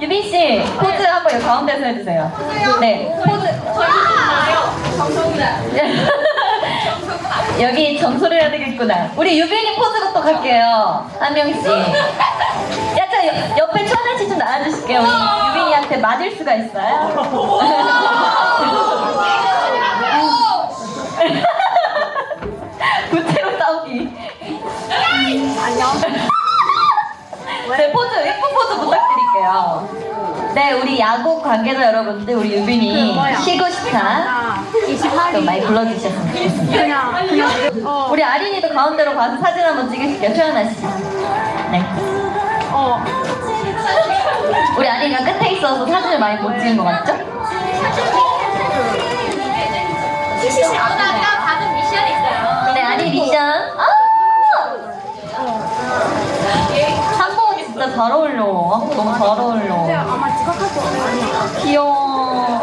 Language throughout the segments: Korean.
유빈 씨 포즈 한번 여기 가운데서 해주세요. 네, 포즈. 여기 점수를 해야 되겠구나. 우리 유빈이 포즈부터 갈게요. 한 명씩. 야, 저 옆에 천아 씨 좀 나와주실게요. 우리 유빈이한테 맞을 수가 있어요. 구체로 싸우기. 안녕. 네, 포즈, 예쁜 포즈 부탁드릴게요. 네, 우리 야구 관계자 여러분들, 우리 유빈이 쉬고 싶다. 좀 많이 불러주셨으면 좋겠습니다. 우리 아린이도 가운데로 가서 사진 한번 찍으실게요. 최연아 씨. 네. 우리 아린이가 끝에 있어서 사진을 많이 못 찍은 것 같죠? 아까 받은 미션 있어요. 네, 아린 미션. 한복이 진짜 잘 어울려. 한복 너무 잘 어울려. 아마 지각할 거 아니야. 귀여워.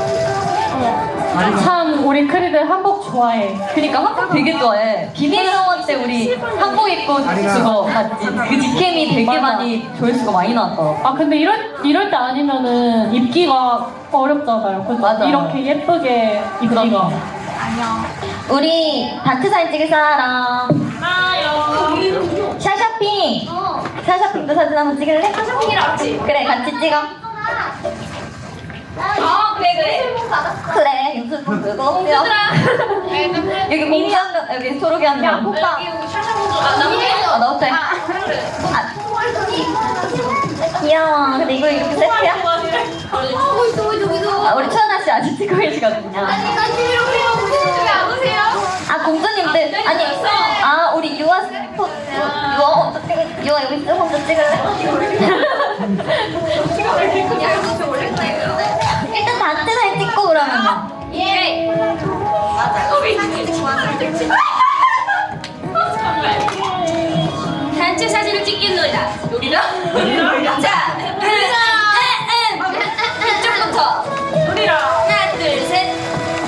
참 우리 크리들 한복 좋아해. 그니까 한복 되게 좋아해. 비밀정원 때 우리 한복 입고 그거 봤지? 그 직캠이 되게 맞아. 많이 조회수가 많이 나왔더라고. 아 근데 이럴 때 아니면은 입기가 어렵잖아요. 그죠? 맞아. 이렇게 예쁘게 입기가. 우리 다트 사진 찍을 사람. 샤샤핑. 샤샤핑도 사진 한번 찍을래? 샤샤핑이랑 같이. 그래, 같이 찍어. 그래. 그래, 유튜브 그거. 여기 공주 한 명, 여기 초록이 한 명. 오빠. 아, 너 어때? 귀여워. 근데 이거 이렇게 세트야? 아, 우리 최연아 씨 아직 찍고 계시거든요. 아, 공주님들. 아니, 아, 우리 유아 스포, 유아 혼자 찍을, 유아 여기 있어. 혼자 찍을래? 일단 다트 사진 찍고 그러면은. 예. 단체 사진을 찍겠노라. 우리는? 자, 이쪽부터. 하나, 둘, 셋.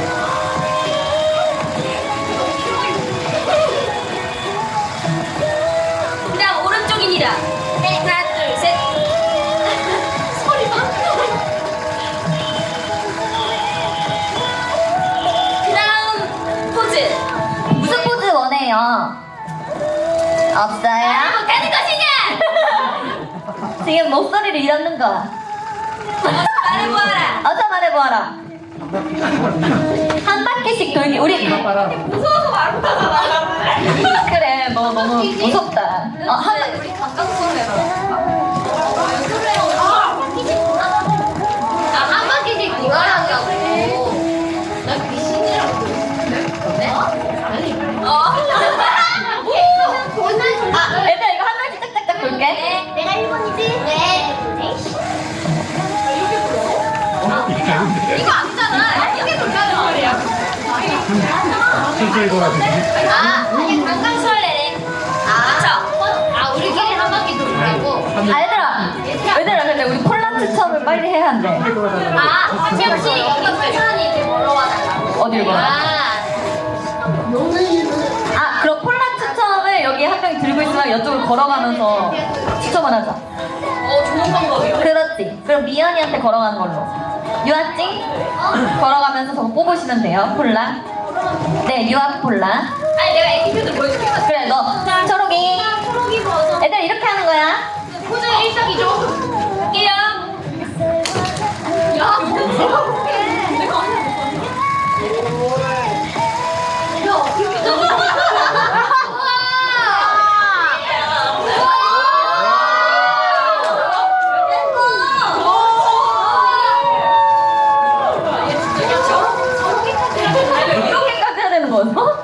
그다음 오른쪽입니다. 하나, 둘, 셋. 그다음 포즈. 무슨 포즈 원해요? 없어요? 가는 것이냐? 지금 목소리를 잃었는 거야. 말해보아라. 어서 말해보아라. 한 바퀴씩 돌기. 우리 무서워서 말 못하잖아. 그래, 너 너무 무섭다. 한 바퀴. 우리 감각수로 해라. 한 바퀴씩 돌아가냐고. 나 귀신이라고 들었는데? 아, 얘들아 이거 한 바퀴 짝짝짝 돌게. 네, 내가 1번이지? 네. 이거 아니잖아. 이게 돌려는 말이야. 실수에 돌아주지. 이게 관광설레네. 그쵸? 우리끼리 한 바퀴 돌라고? 아, 얘들아 근데 우리 콜라 추첨을 빨리 해야 한대. 한 명씩 여기 회사원이 이렇게 보러 와달라고. 어딜 봐? 아, 그럼 콜라 추첨을 여기 한 명 들고 있으면 이쪽으로 걸어가면서 추첨을 하자. 좋은 방법이야. 그렇지. 그럼 미연이한테 걸어가는 걸로. 유아찡 걸어가면서 저거 뽑으시면 돼요. 콜라. 네, 유아 콜라. 아니, 내가 에티튜드 보여줄게. 그래, 너 초록이. 초록이 버전. 애들 이렇게 하는 거야. 포즈 일석이조. 갈게요. 야, 이렇게까지 해야 되는 거였어?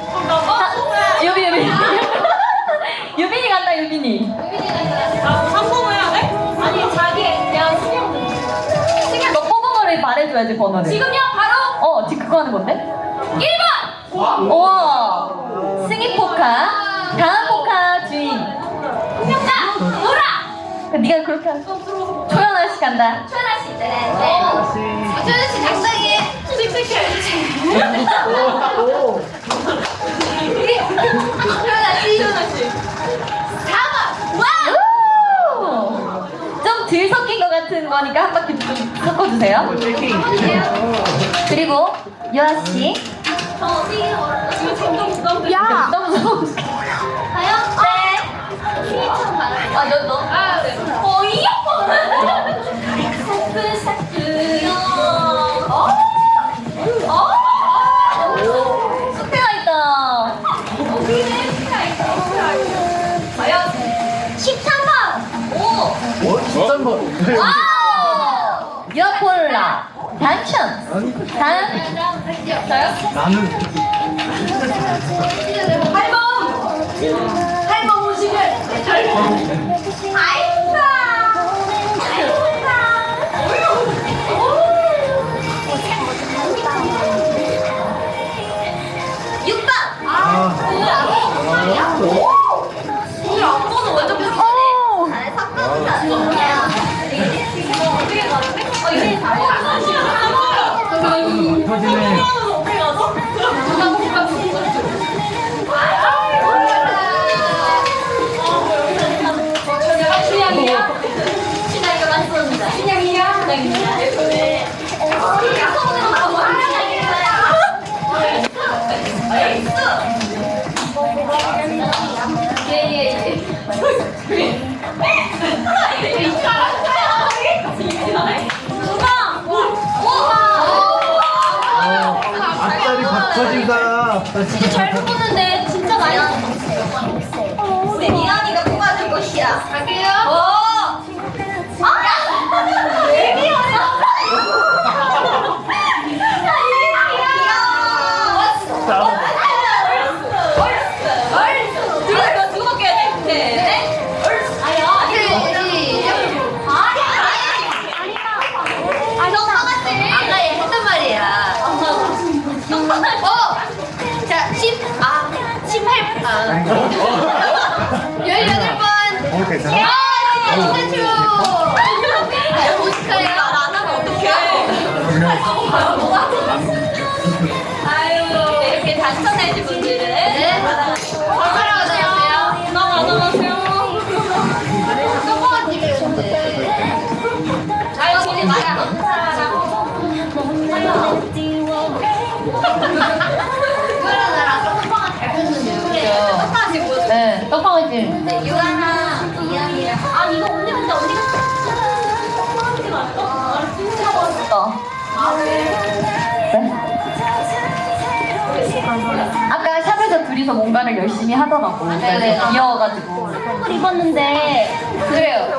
유빈이. 유빈이 간다, 유빈이. 성공해야 돼? 아니, 자기 그냥 수영. 너 뽑은 거를 말해줘야지, 번호를. 지금요, 바로 지금 그거 하는 건데? 1번! 우와. 승희 포카. 강한 포카 주인. 자, 놀아! 네가 그렇게 하자. 초연아 씨 간다. 초연아 씨. 네. 초연아 씨 당당히 씩씩해. 초연아 씨. 4번. 와! 좀 덜 섞인 것 같아. 같은 거니까 한 바퀴 좀 섞어주세요. 그리고 유아 씨. 야! 너무 무서워. 가요? 네. 휘처럼 가요. 아, 너. 네. 숙제가 있다. 과연 13번. 오. 13번. 유아콜라 당첨. 다음. 저요? 나는 8번. 8번 오시길. 아이쿠. 터지네. 앞다리 박터진다. 진짜 잘 뽑았는데 진짜 많이 우리 미연이가 뽑아줄 것이야. 갈게요. 자, 18번. 18번. 오, 괜찮아? 피카츄! 오스카요? 안 하면 어떡해. 아유, 이렇게 당첨되신 분들은. 네. 얼마나 가져가세요? 나 가져가세요. 조그만 집이었는데. 아유, 우리 마야. 이거랑 나랑 아까 떡방아 잘 폈는데요. 떡방아찌 보여줘. 네, 떡방아찌. 네, 유아랑 이현이랑. 아, 이거 언니 근데 언니가 아까 샵에서 둘이서 뭔가를 열심히 하더라고. 네네. 귀여워가지고. 선물 입었는데 그래요.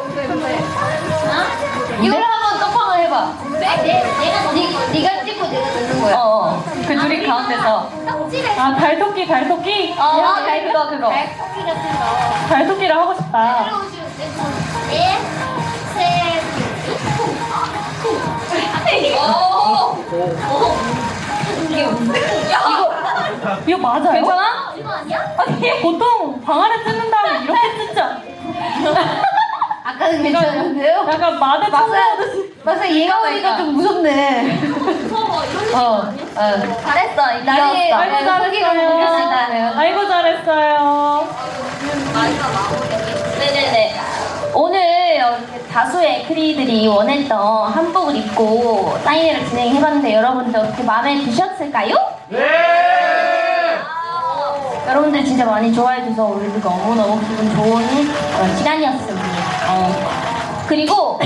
이걸 한번 떡방을 해봐. 내가 네가 찍고 내가 넣는 거야. 그 둘이 가운데서. 떡집에 아 달토끼. 그거. 떡볶이 같은 거. 달토끼를 하고 싶다. 들어오시면 네, 셋. 이거 맞아요? 괜찮아? 이거 아니야? 아니 보통 방 안에 뜯는 다음에 이렇게 뜯자. 아까는 괜찮은데요? 약간 마대 청소하듯이. 막상 얘가 오니까 좀 무섭네. 무서워. 이런 거 아니야? 잘했어. 나중에 이겼어. 아이고 잘했어요. 아이고 잘했어요. 마지막 마무리. 네네네. 오늘 이렇게 다수의 크리들이 원했던 한복을 입고 사인회를 진행해봤는데 여러분들 어떻게 마음에 드셨을까요? 네! 여러분들 진짜 많이 좋아해줘서 우리도 너무너무 기분 좋은 그런 시간이었습니다. 그리고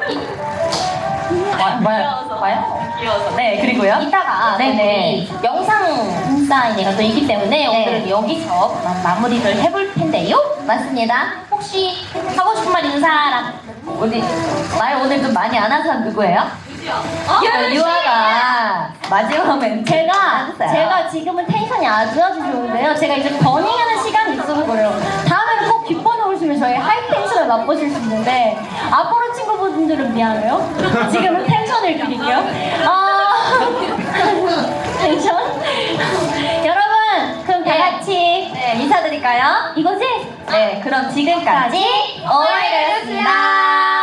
봐요? 귀여워서. 네, 그리고요. 이따가 네네 영상 사인회가 또 있기 때문에 오늘은 여기서 마무리를 해볼 텐데요. 맞습니다. 혹시 하고 싶은 말 있는 사람? 어디 말 오늘 좀 많이 안 한 사람 누구예요? 유아가 마지막 멘트 제가 지금은 텐션이 아주 좋은데요. 제가 이제 버닝하는 시간이 있어서 그래요. 다음에는 꼭 뒷번호 오시면 저희 하이 텐션을 맛보실 수 있는데 앞으로 친구분들은 미안해요. 지금은 텐션을 드릴게요. 텐션. 여러분 그럼 다 같이 인사드릴까요? 이거지? 네, 그럼 지금까지 오이였습니다.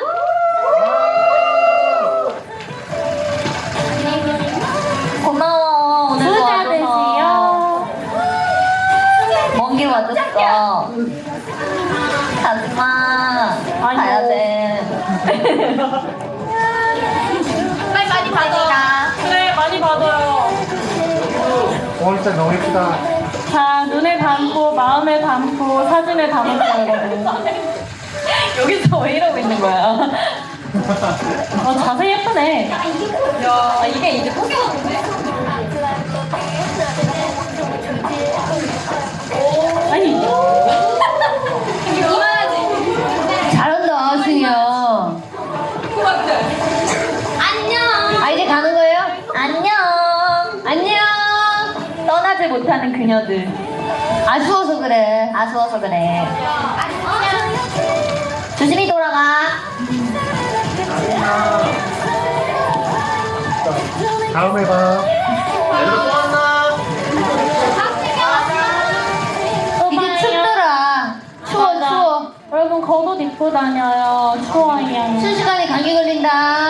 고마워. 오늘 부자 와줘서. 되세요. 먼 길 와줬어. 가지마. 아이고. 가야 돼. 진짜 너무 예쁘다. 자, 눈을 감고 마음을 감고 사진을 담았어요, 여러분. 여기서 왜 이러고 있는 거야? 자세 예쁘네. 야, 이게 이제 포기하는데? 아니, 이만하지? 잘한다, 승희야. 안녕. 아, 이제 가는 거예요? 안녕. 안녕. 떠나지 못하는 그녀들. 아쉬워서 그래. 아쉬워서 그래. 조심히 돌아가. 다음에 봐. 얘들아 또 만나. 이제 춥더라. 추워. 여러분 겉옷 입고 다녀요. 추워요. 순식간에 감기 걸린다.